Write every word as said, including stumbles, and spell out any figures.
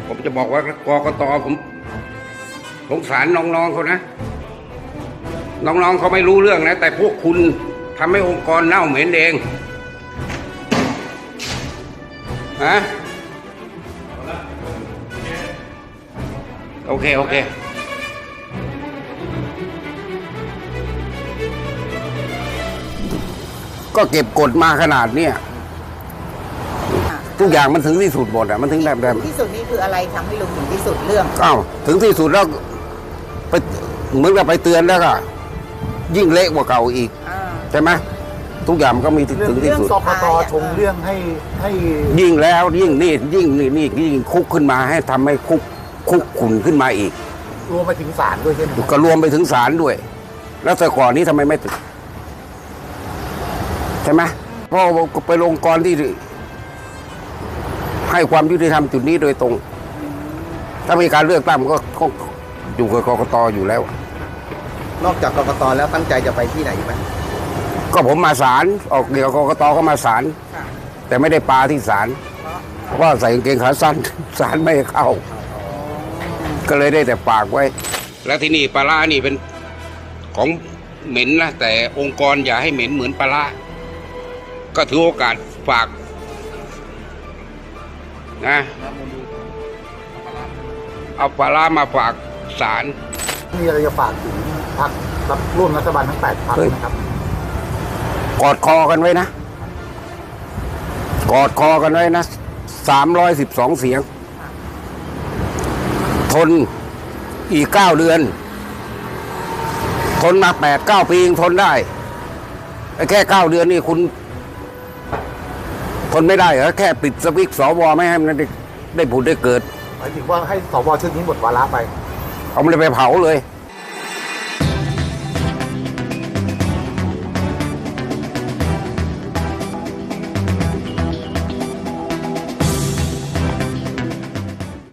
ผมจะบอกว่ากกตผมสงสารน้องๆเขานะน้องๆเขาไม่รู้เรื่องนะแต่พวกคุณทำให้องค์กรเน่าเหม็นเองฮะโอเคโอเคก็เก็บกดมาขนาดเนี้ยทุกอย่างมันถึงที่สุดหมดอ่ะมันถึงแบบแบบที่สุดนี่คืออะไรทำให้ลุงถึงที่สุดเรื่องอ้าวถึงที่สุดแล้วไปเหมือนกับไปเตือนแล้วก็ยิ่งเละกว่าเก่าอีกใช่ไหมทุกอย่างมันก็มีถึงที่สุดกกตชงเรื่องให้ให้ยิ่งแล้วยิ่งนี่ยิ่งนี่นี่ยิ่งคุกขึ้นมาให้ทำให้คุกคุกขุ่นขึ้นมาอีกรวมไปถึงศาลด้วยใช่ไหมก็รวมไปถึงศาลด้วย แล้วแต่ก่อนนี้ทำไมไม่ติดใช่ไหมเพราะไปลงกรที่ให้ความยุติธรรมจุดนี้โดยตรงถ้ามีการเลือกตั้งมันก็อยู่กับกกตอยู่แล้วนอกจากกกตแล้วตั้งใจจะไปที่ไหนไหมก็ผมมาศาลออกเดี๋ยวกกตก็มาศาลแต่ไม่ได้ปาที่ศาลเพราะว่าใส่กางเกงขาสั้นศาลไม่ให้เข้าก็เลยได้แต่ฝากไว้แล้วที่นี่ปลาร้านี่เป็นของเหม็นนะแต่องค์กรอย่าให้เหม็นเหมือนปลาร้าก็ถือโอกาสฝากนะเอาปลาร้ามาฝากศาลมีอะไรจะฝากถึงพรรครับร่วมรัฐบาลทั้งแปดพรรคนะครับกอดคอกันไว้นะกอดคอกันไว้นะสามร้อยสิบสองเสียงทนอีกเก้าเดือนทนมาแปดเก้าปียังทนได้แค่เก้าเดือนนี่คุณทนไม่ได้เหรอแค่ปิดสวิตช์สวไม่ให้มันได้ได้ผุดได้เกิดหมายถึงว่าให้สวชุดนี้หมดวาระไปเอามันเลยไปเผาเลย